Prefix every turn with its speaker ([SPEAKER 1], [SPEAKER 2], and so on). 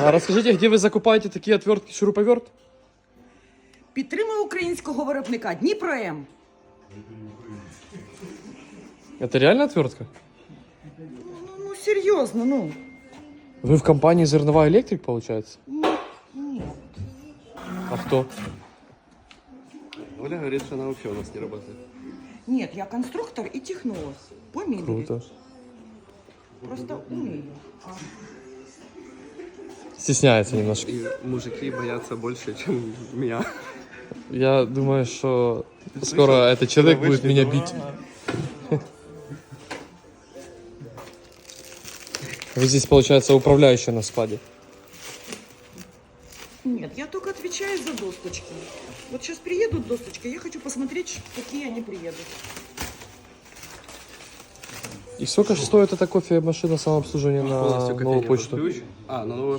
[SPEAKER 1] А расскажите, где вы закупаете такие отвертки, шуруповерт?
[SPEAKER 2] Підтримує українського виробника Дніпро М.
[SPEAKER 1] Это реально отвертка?
[SPEAKER 2] Ну, серйозно, ну.
[SPEAKER 1] Вы в компании Зернова Электрик, получается?
[SPEAKER 2] Ні.
[SPEAKER 1] А кто?
[SPEAKER 3] Оля говорит, что она вообще у нас не работает.
[SPEAKER 2] Ні, я конструктор і технолог. По мебелі.
[SPEAKER 1] Круто.
[SPEAKER 2] Просто умею.
[SPEAKER 1] Стесняется немножко.
[SPEAKER 3] И мужики боятся больше, чем меня.
[SPEAKER 1] Я думаю, что скоро этот человек будет меня бить. Вы здесь, получается, управляющая на складе.
[SPEAKER 2] Нет, я только отвечаю за досточки. Вот сейчас приедут досточки, я хочу посмотреть, какие они приедут.
[SPEAKER 1] И сколько же стоит эта кофемашина самообслуживания на
[SPEAKER 3] Полностью
[SPEAKER 1] новую
[SPEAKER 3] кофейня под
[SPEAKER 1] почту?
[SPEAKER 3] ключ. А, на новую